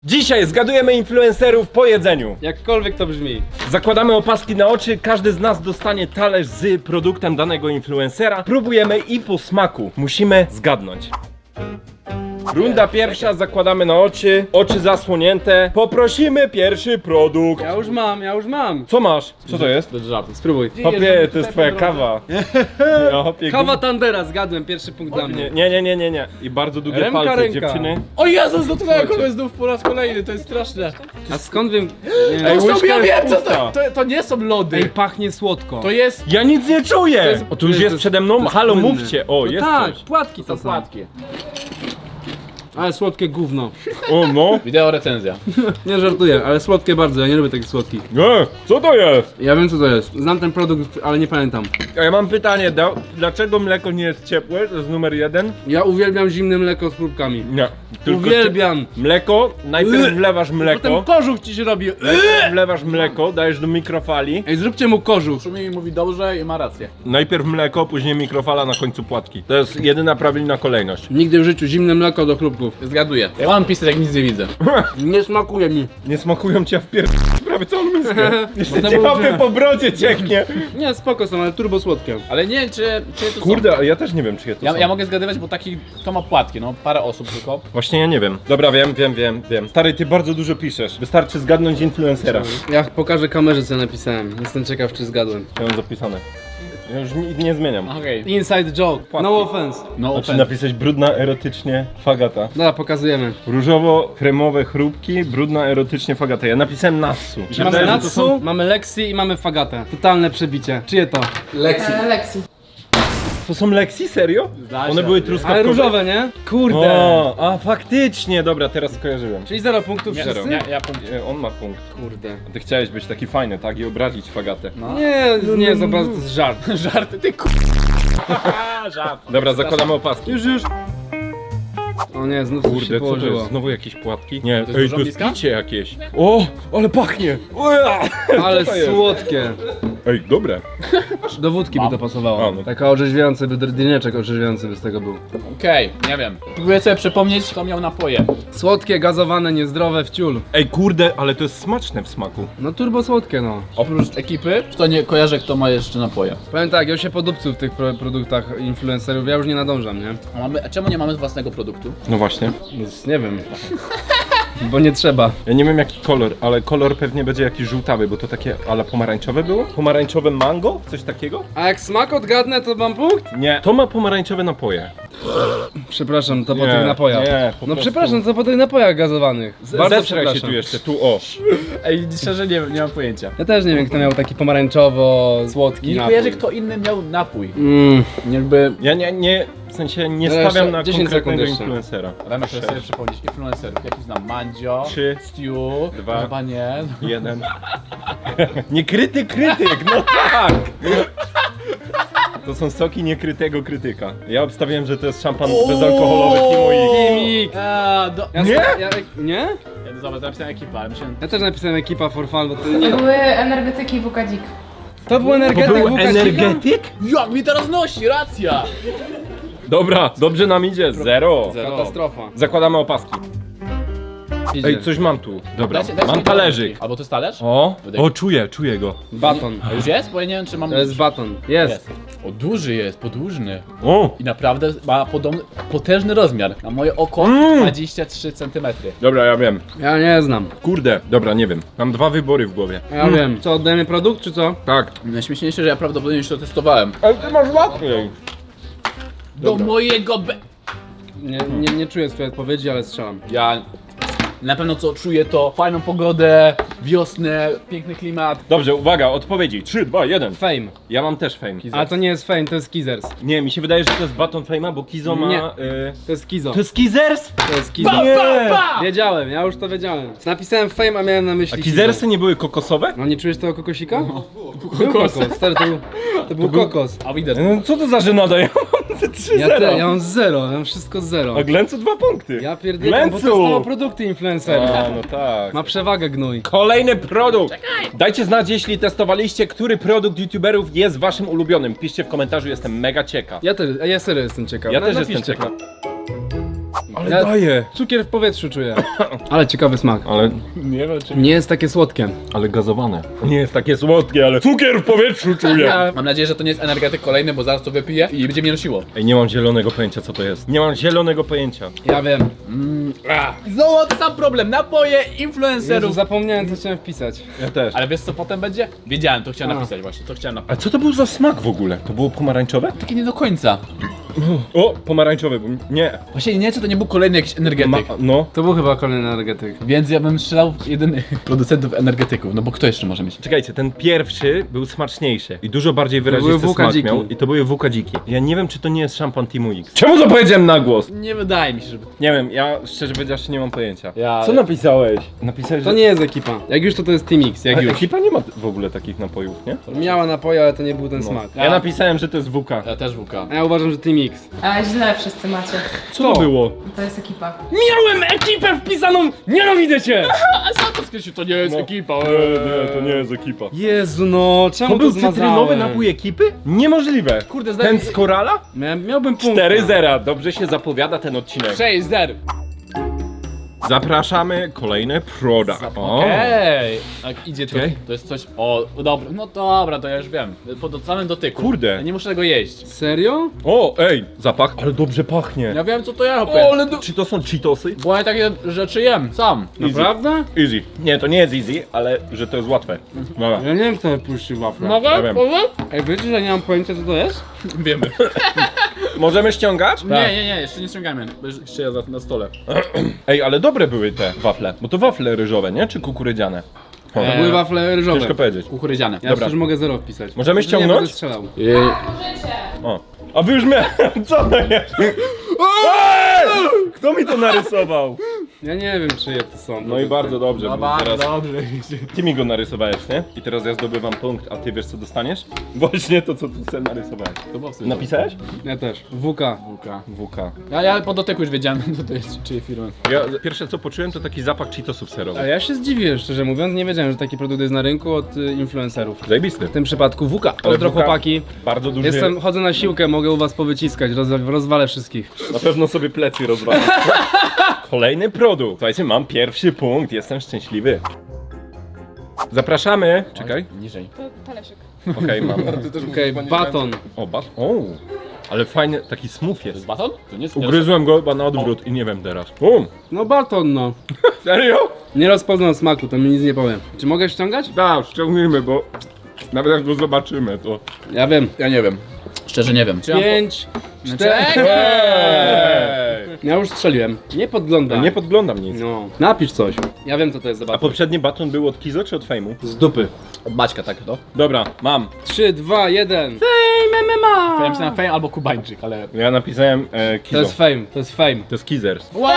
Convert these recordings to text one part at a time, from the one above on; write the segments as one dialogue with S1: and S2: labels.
S1: Dzisiaj zgadujemy influencerów po jedzeniu.
S2: Jakkolwiek to brzmi.
S1: Zakładamy opaski na oczy, każdy z nas dostanie talerz z produktem danego influencera. Próbujemy i po smaku musimy zgadnąć. Runda pierwsza, zakładamy na oczy zasłonięte. Poprosimy pierwszy produkt.
S2: Ja już mam.
S1: Co masz? Co to jest?
S3: Bez żartu.
S2: Spróbuj.
S1: Hopie, to jest twoja kawa. Ja, hopie,
S2: Kawa Tandera, zgadłem, pierwszy punkt dla mnie.
S1: Nie. I bardzo długie
S2: Remka,
S1: palce,
S2: ręka.
S1: dziewczyny.
S3: O Jezus, dotknąłem kogoś znów po raz kolejny, to jest straszne.
S2: A skąd wiem? Nie.
S1: Ej,
S3: To są,
S1: łyżka
S3: ja
S1: jest
S3: wiem co
S1: pusta.
S3: to nie są lody.
S2: Ej, pachnie słodko.
S3: To jest...
S1: Ja nic nie czuję!
S3: jest-
S1: O, tu już
S2: to
S1: jest
S2: jest-
S1: przede
S2: to
S1: mną.
S2: jest
S1: Halo,
S2: płynne.
S1: mówcie. O,
S2: No
S1: jest
S2: tak,
S1: coś.
S2: płatki to
S3: To
S2: są.
S3: płatki.
S2: Ale słodkie gówno.
S1: O, no.
S3: Wideo recenzja.
S2: Nie żartuję, ale słodkie bardzo, ja nie lubię takich słodkich.
S1: Nie, co to jest?
S2: Ja wiem co to jest. Znam ten produkt, ale nie pamiętam.
S1: A ja mam pytanie, dlaczego mleko nie jest ciepłe? To jest numer jeden.
S2: Ja uwielbiam zimne mleko z próbkami.
S1: Nie.
S2: Uwielbiam.
S1: Mleko, najpierw wlewasz
S2: Potem
S1: mleko.
S2: kożuch ci się robi.
S1: Najpierw wlewasz mleko, dajesz do mikrofali.
S2: Ej, zróbcie mu kożuch.
S3: Szumi mi mówi dobrze i ma rację.
S1: Najpierw mleko, później mikrofala, na końcu płatki. To jest jedyna prawilna kolejność.
S2: Nigdy w życiu zimne mleko do chrupków.
S3: Zgaduję. Ja mam pisać jak nic nie widzę.
S2: Nie smakuje mi.
S1: Nie smakują cię w prawie całą miskę. Jeszcze
S2: to
S1: cię
S2: było-
S1: łapy po brodzie cieknie.
S2: Nie, spoko są, ale turbo słodkie.
S3: Ale nie wiem czy to
S1: Kurde, a ja też nie wiem, czy je to
S3: są.
S1: są.
S3: Ja mogę zgadywać, bo taki to ma płatki, no parę osób tylko.
S1: Właśnie ja nie wiem. Dobra, wiem. Stary, ty bardzo dużo piszesz. Wystarczy zgadnąć influencera.
S2: Ja pokażę kamerze co napisałem. Jestem ciekaw czy zgadłem.
S1: Ja mam zapisane. Ja już nie zmieniam.
S3: Okej.
S2: Inside joke. No offense.
S3: No
S1: Znaczy
S3: offense.
S1: napisać brudna erotycznie Fagata.
S2: Dobra, pokazujemy.
S1: Różowo-kremowe chrupki, brudna erotycznie Fagata. Ja napisałem Natsu. Mi się
S2: Mamy
S1: wydaje, że to
S2: Natsu,
S1: są-
S2: mamy Lexi i mamy Fagatę. Totalne przebicie. Czyje to? Lexi.
S4: Lexi.
S1: To są Lexi? Serio?
S3: Zda się.
S1: One były truskawkowe?
S2: Ale różowe, nie? Kurde.
S1: O, a faktycznie, dobra, teraz skojarzyłem.
S2: Czyli 0 punktów
S3: Nie,
S2: wszyscy?
S3: ja punkt.
S1: On ma punkt.
S2: Kurde.
S1: Ty chciałeś być taki fajny, tak? I obrazić Fagatę.
S3: No.
S2: Nie, zobacz, to jest żart.
S3: Żarty, ty Żart.
S1: Dobra, zakładamy opaski.
S2: Już. O nie, znów coś się
S1: Kurde, co to
S2: położyło.
S1: jest? Znowu jakieś płatki? Nie,
S3: jest
S1: ej,
S3: dużo
S1: to jest
S3: bliska?
S1: picie jakieś. O, ale pachnie. Ua!
S2: Ale
S1: Co to jest?
S2: słodkie.
S1: Ej, dobre.
S2: Do wódki by to pasowało.
S1: A, no.
S2: Taka orzeźwiająca, drineczek orzeźwiający by z tego był.
S3: Okej, nie wiem. Próbuję sobie przypomnieć, kto miał napoje.
S2: Słodkie, gazowane, niezdrowe, wciul.
S1: Ej, kurde, ale to jest smaczne w smaku.
S2: No turbo słodkie, no.
S3: Oprócz ekipy, to nie kojarzę, kto ma jeszcze napoje.
S2: Powiem tak, ja się podupcył w tych produktach influencerów, ja już nie nadążam, nie?
S3: A czemu nie mamy własnego produktu?
S1: No właśnie.
S2: Więc nie wiem. Bo nie trzeba.
S1: Ja nie wiem jaki kolor, ale kolor pewnie będzie jakiś żółtawy, bo to takie ale pomarańczowe było? Pomarańczowe mango? Coś takiego?
S2: A jak smak odgadnę, to mam punkt?
S1: Nie. To ma pomarańczowe napoje.
S2: Przepraszam, to po
S1: Nie,
S2: tych napojach.
S1: nie, po
S2: no
S1: prostu.
S2: przepraszam, to po tych napojach gazowanych. Bardzo
S1: Zestraj się
S2: przepraszam.
S1: tu jeszcze, tu o.
S3: Ej, szczerze nie mam pojęcia.
S2: Ja też nie wiem, kto miał taki pomarańczowo-słodki
S3: Nie
S2: napój.
S3: kojarzę, kto inny miał napój.
S2: Jakby...
S1: Ja nie, w sensie nie
S2: Dobra,
S1: stawiam
S2: jeszcze
S1: na
S2: 10
S1: konkretnego
S2: sekund jeszcze.
S1: influencera.
S3: Dajmy sobie przypomnieć influencerów. Jaki znam? Mandzio,
S1: 3,
S3: Stew,
S1: 2.
S3: chyba nie.
S1: 1. Nie krytyk, no tak! To są soki niekrytego krytyka. Ja obstawiłem, że to jest szampan bezalkoholowy Kimoik.
S2: Kimik!
S1: Nie?
S2: Nie?
S3: Ja zobacz, napisałem ekipa, ale myślałem...
S2: Ja też napisałem ekipa for fun, bo to
S4: To
S2: nie...
S4: były energetyki WKDzik.
S2: To był
S1: To
S2: energetyk
S1: był
S2: Łukasika?
S1: energetyk?
S3: Jak mi teraz nosi, racja!
S1: Dobra, dobrze nam idzie. Zero.
S2: Katastrofa.
S1: Zakładamy opaski.
S2: Idzie.
S1: Ej, coś mam tu. Dobra,
S3: Dajcie
S1: mam
S3: mi
S1: talerzyk.
S3: Albo to jest talerz?
S1: O, czuję go.
S2: Baton.
S3: A już jest? Bo ja nie wiem, czy mam...
S2: To jest baton. Jest.
S3: O, duży jest, podłużny.
S1: O!
S3: I naprawdę ma potężny rozmiar. Na moje oko 23 cm.
S1: Dobra, ja wiem.
S2: Ja nie znam.
S1: Kurde, dobra, nie wiem. Mam dwa wybory w głowie.
S2: Ja wiem. Co, oddajemy produkt, czy co?
S1: Tak.
S3: Najśmieszniejsze, że ja prawdopodobnie już to testowałem.
S1: Ale ty masz łatwiej.
S3: Do mojego
S2: Nie czuję swojej odpowiedzi, ale strzelam.
S3: Ja na pewno co czuję to fajną pogodę, wiosnę, piękny klimat.
S1: Dobrze, uwaga, odpowiedzi. 3, 2, 1.
S2: Fame.
S1: Ja mam też fame.
S2: Ale to nie jest fame, to jest Kizers.
S1: Nie, mi się wydaje, że to jest baton fame'a, bo Kizo ma...
S2: Nie. To jest Kizo.
S1: To jest Kizers?
S2: To jest Kizo.
S1: Nie!
S2: Wiedziałem, ja już to wiedziałem. Napisałem fame, a miałem na
S1: A
S2: myśli
S1: Kizersy nie były kokosowe?
S2: No nie czujesz tego kokosika? Był kokos, stary, to był kokos.
S3: A widać.
S1: No, co to za żenada? Ja mam 3-0.
S2: Ja mam 0, ja mam wszystko z 0.
S1: A Glęcu 2 punkty.
S2: Ja pierdolę, bo to są produkty influencerów.
S1: A, no tak.
S2: Ma przewagę gnój.
S1: Kolejny produkt! Dajcie znać, jeśli testowaliście, który produkt youtuberów jest waszym ulubionym. Piszcie w komentarzu, jestem mega ciekaw.
S2: Ja serio jestem ciekaw.
S1: Ja też
S2: Napiszcie
S1: jestem ciekaw. Ale
S2: Ja-
S1: daje.
S2: Cukier w powietrzu czuję. Ale ciekawy smak.
S1: Ale,
S3: Nie wiem czy...
S2: Nie jest takie słodkie.
S1: ale gazowane. Nie jest takie słodkie, ale cukier w powietrzu czuję.
S3: Mam nadzieję, że to nie jest energetyk kolejny, bo zaraz to wypiję i będzie mnie nosiło.
S1: Ej, nie mam zielonego pojęcia co to jest. Nie mam zielonego pojęcia.
S2: Ja wiem.
S3: Znowu ten sam problem, napoje
S2: Jezu,
S3: influencerów.
S2: zapomniałem co chciałem wpisać.
S1: Ja też.
S3: Ale wiesz co potem będzie? Wiedziałem, to chciałem
S2: A.
S3: napisać właśnie, to chciałem
S1: A
S3: napisać.
S1: co to był za smak w ogóle? To było pomarańczowe?
S3: Takie nie do końca.
S1: O, pomarańczowy, bo nie.
S3: Właśnie nie, czy to nie był kolejny jakiś energetyk.
S1: No.
S2: To był chyba kolejny energetyk.
S3: Więc ja bym strzelał w jedynych producentów energetyków, no bo kto jeszcze może mieć?
S1: Czekajcie, ten pierwszy był smaczniejszy i dużo bardziej
S2: były
S1: wyrazisty
S2: Wuka
S1: smak
S2: dziki.
S1: miał. I to były wukadziki. Ja nie wiem, czy to nie jest szampan Teamu X. Czemu to powiedziałem na głos?
S3: Nie wydaje mi się, żeby...
S1: Nie wiem, ja szczerze powiedziawszy nie mam pojęcia.
S3: Ja-
S1: Co napisałeś? Napisałeś,
S2: To
S1: że...
S2: nie jest ekipa. Jak już to jest Team X, jak
S1: Ale
S2: już.
S1: ekipa nie ma w ogóle takich napojów, nie?
S2: Miała napoje, ale to nie był ten smak.
S1: Ja napisałem, że to jest WK.
S3: Ja też WK.
S2: A ja uważam, że Team X.
S4: A źle wszyscy macie.
S1: Co to było?
S4: To jest ekipa.
S1: Miałem ekipę wpisaną! Nienawidzę cię!
S3: A sam to skreślił, to nie jest ekipa.
S1: Nie, to nie jest ekipa.
S2: Jezu no, czemu
S1: To był
S2: zmazałem?
S1: cytrynowy napój ekipy? Niemożliwe.
S3: Kurde,
S1: Ten z Korala?
S2: Miałbym punkt.
S1: 4-0. Dobrze się zapowiada ten odcinek.
S3: 6-0.
S1: Zapraszamy kolejny produkt. O.
S3: Okej. Tak idzie to.
S1: Czekaj.
S3: To jest coś. O, dobra. No dobra, to ja już wiem. Po samym dotyku.
S1: Kurde.
S3: Ja nie muszę tego jeść.
S2: Serio?
S1: O, ej, zapach. Ale dobrze pachnie.
S3: Ja wiem co to ja robię.
S1: Czy to są Cheetosy?
S3: Bo ja takie rzeczy jem sam.
S2: Naprawdę?
S1: Easy. Nie, to nie jest easy, ale że to jest łatwe. Dobra.
S2: Ja nie wiem kto wypuścił wafle.
S1: Ja wiem.
S2: Ej, wiecie, że nie mam pojęcia co to jest?
S3: Wiemy.
S1: Możemy ściągać?
S3: Nie, jeszcze nie ściągamy. Bo jeszcze ja na stole.
S1: Ej, ale dobre były te wafle. Bo to wafle ryżowe, nie? Czy kukurydziane? O,
S2: To były wafle ryżowe.
S1: ciężko powiedzieć.
S3: Kukurydziane.
S2: Ja
S1: Dobra.
S2: już mogę 0 wpisać.
S1: Możemy
S2: Nie
S1: ściągnąć?
S2: będę strzelał.
S1: O. A wy już co to jest? Ej! Kto mi to narysował?
S2: Ja nie wiem czyje to są.
S1: No i bardzo dobrze,
S3: No
S1: bo
S3: bardzo
S1: teraz
S3: dobrze.
S1: ty mi go narysowałeś, nie? I teraz ja zdobywam punkt, a ty wiesz co dostaniesz? Właśnie to, co ty sobie narysowałeś.
S3: To było wstyd.
S1: Napisałeś?
S2: Ja też. WK.
S3: WK.
S1: WK.
S3: Ja po dotyku już wiedziałem, co to jest, czyjej firmy.
S1: Ja pierwsze co poczułem to taki zapach Cheetosów
S2: A
S1: serowych.
S2: ja się zdziwiłem, szczerze mówiąc, nie wiedziałem, że taki produkt jest na rynku od influencerów.
S1: Zajebisty.
S2: W tym przypadku WK. Pozdro
S1: WK
S2: chłopaki.
S1: Bardzo duży.
S2: Chodzę na siłkę, mogę u was powyciskać, rozwalę wszystkich.
S1: Na pewno sobie plecy rozwalam. Kolejny produkt. Słuchajcie, mam pierwszy punkt, jestem szczęśliwy. Zapraszamy. Czekaj.
S3: Niżej.
S4: To talerzyk.
S1: Okej, mam.
S2: Okej, baton.
S1: O, o. Ale fajny, taki smooth
S3: To jest
S1: jest.
S3: baton? To nie jest...
S1: Ugryzłem go chyba na odwrót i nie wiem teraz.
S2: No baton no.
S1: Serio?
S2: Nie rozpoznam smaku, to mi nic nie powiem. Czy mogę ściągać?
S1: Tak, ściągnijmy, bo nawet jak go zobaczymy, to...
S2: Ja wiem.
S3: Ja nie wiem. Szczerze nie wiem. Czy ja
S2: 5, 4. Ja już strzeliłem. Nie podglądam.
S1: Nie podglądam nic.
S2: No. Napisz coś. Ja wiem co to jest za
S1: A
S2: baton.
S1: poprzedni baton był od Kizo czy od Fejmu?
S2: Z dupy.
S3: Od Maćka tak to?
S1: Dobra, mam.
S2: 3, 2, 1.
S3: Ja myślałem Fame albo Kubańczyk, ale...
S1: Ja napisałem
S2: To
S1: Kizo.
S2: jest fame, to jest fame.
S1: To jest Kizers.
S3: Wow!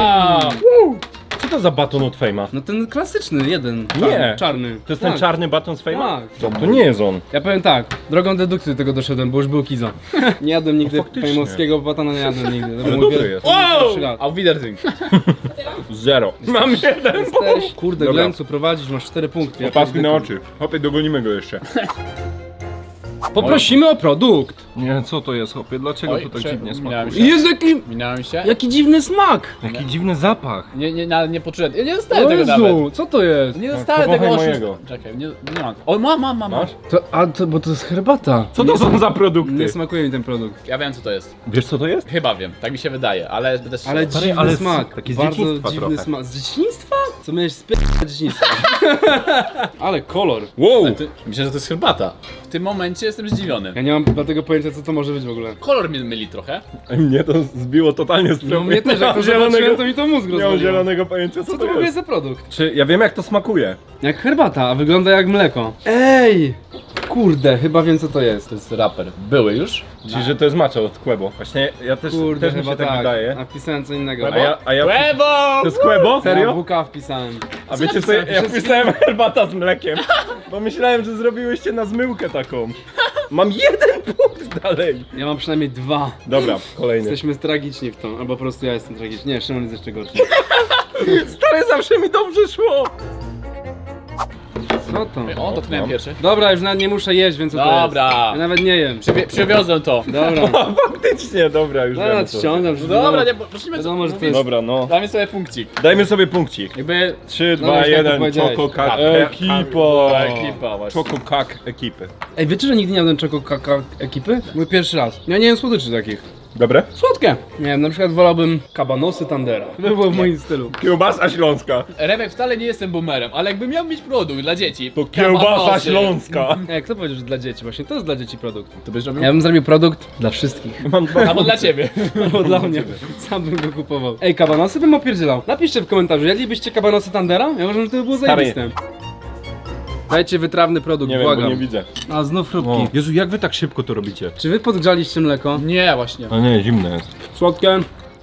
S1: Co to za baton od Fejma?
S2: No ten klasyczny, jeden.
S1: Nie.
S2: Czarny.
S1: To jest
S2: Tak.
S1: ten czarny baton z Fejma?
S2: Tak.
S1: To nie jest on.
S2: Ja powiem tak, drogą dedukcji do tego doszedłem, bo już był Kizo. Nie jadłem nigdy
S1: faktycznie.
S2: fejmowskiego batona, nie jadłem nigdy. To
S1: Ale
S2: był
S1: dobry
S2: mój
S1: jest.
S2: pierwszy raz.
S3: Auf Wiedersehen.
S1: 0. Mam jeden.
S2: Jesteś, kurde,
S1: Dobra.
S2: Glencu, prowadzisz, masz 4 punkty. Ja
S1: Opaski na
S2: pierdolę.
S1: oczy. Hopie, dogonimy go jeszcze.
S2: Poprosimy o produkt.
S1: Nie, co to jest, hopie? Dlaczego
S3: Oj,
S1: to tak
S3: prze-
S1: dziwnie
S3: minąłem
S1: smakuje?
S3: się.
S2: Jezu,
S3: Minąłem się.
S2: jaki dziwny smak.
S1: Jaki dziwny zapach.
S3: Nie poczułem. Ja nie dostałem
S2: O
S3: tego nawet.
S2: Jezu, co to jest?
S3: Nie dostałem
S1: powąchaj
S3: tego
S1: mojego.
S3: oszusta. Czekaj, nie mam. O, mam.
S1: Masz?
S2: Bo to jest herbata.
S1: Co to są za produkty?
S2: Nie smakuje mi ten produkt.
S3: Ja wiem co to jest.
S1: Wiesz co to jest?
S3: Chyba wiem, tak mi się wydaje, ale będę strzelał.
S2: Ale dziwny
S1: ale
S2: smak.
S1: taki z
S2: Bardzo
S1: dzieciństwa
S2: dziwny
S1: trochę.
S2: smak. Z dzieciństwa? Co miałeś z dzieciństwa? Ale kolor.
S1: Wow!
S3: Myślę, że to jest herbata. W tym momencie jestem zdziwiony.
S2: Ja nie mam dlatego pojęcia co to może być w ogóle.
S3: Kolor mnie myli trochę.
S1: Mnie to zbiło totalnie z
S2: No
S1: tropu.
S2: mnie też, jak to
S1: zielonego,
S2: zobaczyłem, to mi to mózg
S1: nie mam
S2: rozwaliło.
S1: zielonego pojęcia co
S2: Co
S1: to
S2: to w ogóle
S1: jest.
S2: jest za produkt?
S1: Czy ja wiem jak to smakuje?
S2: Jak herbata, a wygląda jak mleko. Ej! Kurde, chyba wiem co to jest.
S3: To jest raper. Były już?
S1: Czyli że to jest matcha od Quebo. Właśnie ja też,
S2: Kurde,
S1: też mi
S2: chyba
S1: się tak wydaje.
S2: A wpisałem co innego.
S1: A ja
S3: Brawo!
S1: to jest Quebo?
S2: Ja
S1: Serio?
S2: WK wpisałem.
S1: A wiecie co, ja wpisałem herbata z mlekiem, bo myślałem, że zrobiłyście na zmyłkę taką. Mam 1 punkt dalej.
S2: Ja mam przynajmniej 2.
S1: Dobra, kolejny.
S2: Jesteśmy tragiczni w to, albo po prostu ja jestem tragiczny. Nie, Szymon jest jeszcze gorszy.
S1: Stary, zawsze mi dobrze szło.
S2: Co to?
S3: O, dotknąłem pierwszy.
S2: Dobra, już nawet nie muszę jeść, więc co to jest?
S3: Dobra.
S2: Ja nawet nie jem.
S3: Przywiozłem to.
S2: Dobra.
S1: Faktycznie, dobra, już
S2: Dobra,
S1: wiemy co.
S2: ściągam.
S3: No dobra, nie, prosimy
S2: Wiadomo, że to jest...
S1: Dobra, no.
S3: Damy sobie punkcik.
S1: Dajmy sobie punkcik.
S3: Jakby...
S1: 3,
S2: Dobra,
S1: 2,
S2: już tak
S1: 1,
S2: powiedziałeś.
S1: Choco Kak
S3: Ekipa. Ekipa właśnie.
S1: Choco Kak ekipy.
S2: Ej, wiecie, że nigdy nie jadłem czego kaka ekipy? Mój pierwszy raz. Ja nie jem słodyczy takich.
S1: Dobre?
S2: Słodkie. Nie wiem, na przykład wolałbym kabanosy Tandera. To by było w moim stylu.
S1: Kiełbasa śląska.
S3: Remek, wcale nie jestem boomerem, ale jakbym miał mieć produkt dla dzieci...
S1: To kiełbasa
S3: kabanosy,
S1: śląska.
S2: Ej, kto powiedział, że dla dzieci? Właśnie to jest dla dzieci produkt.
S3: To byś robił?
S2: Ja bym zrobił produkt dla wszystkich.
S1: Mam dwa
S3: Albo dla ciebie.
S2: Albo dla mnie. Sam bym go kupował. Ej, kabanosy bym opierdzielał. Napiszcie w komentarzu, jadlibyście kabanosy Tandera? Ja uważam, że to by było
S1: Stary.
S2: zajebiste. Dajcie wytrawny produkt,
S1: Nie wiem, bo
S2: błagam.
S1: nie widzę.
S2: A znów chrupki.
S1: O. Jezu, jak wy tak szybko to robicie?
S2: Czy wy podgrzaliście mleko?
S3: Nie, właśnie.
S1: A nie, zimne jest.
S2: Słodkie?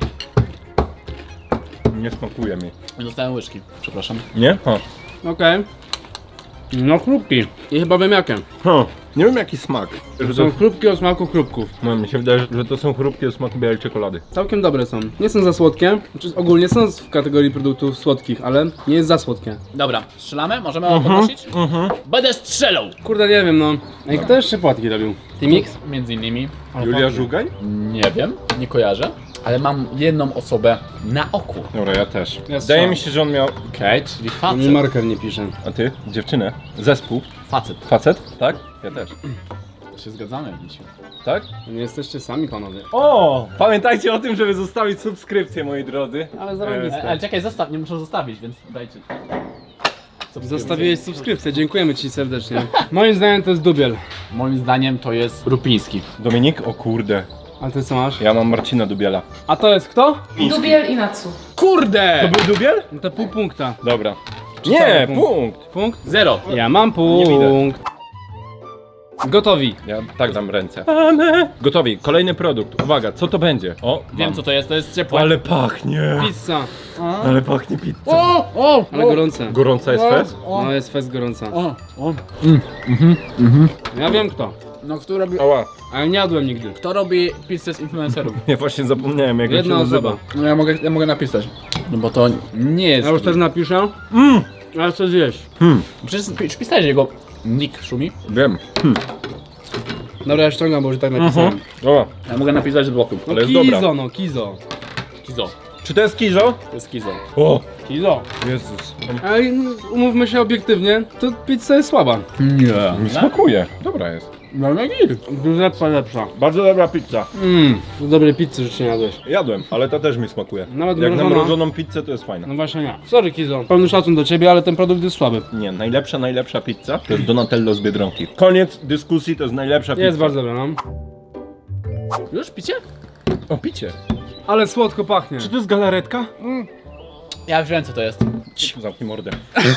S1: Nie smakuje mi.
S3: Dostałem łyżki, przepraszam.
S1: Nie? Ha.
S2: Okej. No chrupki. I chyba wiem jakie.
S1: Ha. Nie wiem jaki smak. Że
S2: Są
S1: to...
S2: chrupki o smaku chrupków.
S1: No, mi się wydaje, że to są chrupki o smaku białej czekolady.
S2: Całkiem dobre są. Nie są za słodkie. Znaczy ogólnie są w kategorii produktów słodkich, ale nie jest za słodkie.
S3: Dobra, strzelamy? Możemy podnosić? Będę strzelał!
S2: Kurde, nie wiem no. Ej, kto jeszcze płatki robił? T-Mix?
S3: Między innymi.
S1: Julia Żugaj?
S3: Nie wiem, nie kojarzę. Ale mam jedną osobę na oku.
S1: Dobra, ja też.
S2: Ja
S1: Wydaje
S2: strzelam.
S1: mi się, że on miał...
S3: Okej, czyli
S2: Mi
S3: facet.
S2: marker nie pisze.
S1: A ty? Dziewczynę? Zespół?
S3: Facet.
S1: Facet? Tak? Ja też.
S3: To się zgadzamy, Misiu.
S1: Tak?
S2: Nie jesteście sami panowie.
S1: O! Pamiętajcie o tym, żeby zostawić subskrypcję, moi drodzy.
S2: Ale zarobiste.
S3: Ale czekaj, nie muszę zostawić, więc dajcie.
S2: Zostawiłeś subskrypcję, dziękujemy ci serdecznie. Moim zdaniem to jest dubiel.
S3: Moim zdaniem to jest Rupiński.
S1: Dominik? O kurde.
S2: A ty co masz?
S1: Ja mam Marcina Dubiela.
S2: A to jest kto?
S4: Dubiel i Natsu.
S3: Kurde!
S1: To był Dubiel?
S2: No to pół punkta.
S1: Dobra.
S2: cały
S1: Nie,
S2: punkt?
S1: punkt.
S2: Punkt?
S3: Zero.
S2: Ja mam
S1: Nie widać.
S2: punkt. Gotowi.
S1: Ja tak dam ręce. Gotowi, kolejny produkt. Uwaga, co to będzie? O,
S3: Wiem
S1: mam.
S3: co to jest ciepłe.
S1: Ale pachnie.
S2: Pizza.
S1: Ale pachnie pizza.
S3: O!
S2: Ale gorące.
S1: Gorąca jest fest?
S2: No jest fest gorąca.
S3: O!
S2: Ja wiem kto.
S3: No kto robi...
S1: Ała.
S2: Ale nie jadłem nigdy.
S3: Kto robi pizzę z influencerów?
S1: Ja właśnie zapomniałem jak
S2: Jedna
S1: on się nazywa.
S2: osoba.
S3: No ja mogę napisać. No bo to nie jest...
S2: Ja już też napiszę. Ale co zjeść?
S3: Przecież pisałeś jego nick Szumi.
S1: Wiem.
S2: Dobra, ja ściągam, bo już tak napisałem.
S1: O,
S3: Ja mogę napisać z bloku.
S2: No
S1: Ale jest
S2: kizo,
S1: dobra.
S2: no kizo.
S3: Kizo.
S1: czy to jest kizo?
S3: To jest kizo.
S1: O,
S2: Kizo.
S1: Jezus.
S2: Ale umówmy się obiektywnie, to pizza jest słaba.
S3: Nie.
S1: Mi smakuje. Dobra jest.
S3: No na gir.
S2: Giuseppe lepsza.
S1: Bardzo dobra pizza.
S2: Do dobrej pizzy rzeczy nie jadłeś.
S1: Jadłem, ale ta też mi smakuje.
S2: Nawet
S1: Jak na
S2: mrożona.
S1: mrożoną pizzę to jest fajna.
S2: No właśnie nie. Sorry Kizo. Pełny szacun do ciebie, ale ten produkt jest słaby.
S1: Nie, najlepsza pizza to jest Donatello z Biedronki. Koniec dyskusji, to jest najlepsza pizza.
S2: Jest bardzo dobra, no.
S3: Już picie?
S1: O, picie.
S2: Ale słodko pachnie.
S1: Czy to jest galaretka?
S3: Ja już wiem co to jest.
S1: Zamknij mordę.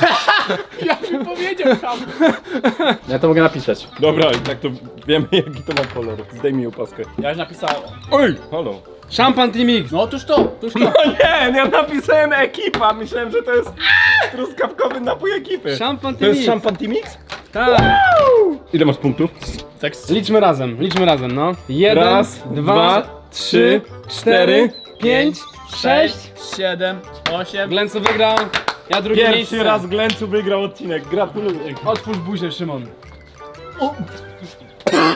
S3: Ja bym powiedział tam. Ja to mogę napisać.
S1: Dobra, i tak to wiemy jaki to ma kolor. Zdejmij opaskę.
S3: Ja już napisałem.
S1: Oj, halo.
S2: Szampan T-Mix.
S3: No otóż to.
S1: No nie, ja napisałem ekipa. Myślałem, że to jest truskawkowy napój ekipy.
S2: Szampan
S1: To jest
S2: T-Mix.
S1: szampan T-Mix?
S2: Tak.
S1: Ile masz punktów?
S3: Tak.
S2: Liczmy razem, no. 1,
S1: Raz,
S2: 2, 3, 4, 5, 6.
S3: 7, 8.
S2: Glencu wygrał. Ja drugie
S1: Pierwszy
S2: miejsce.
S1: raz Glencu wygrał odcinek. Gratuluję.
S2: Otwórz buzię, Szymon.
S3: O,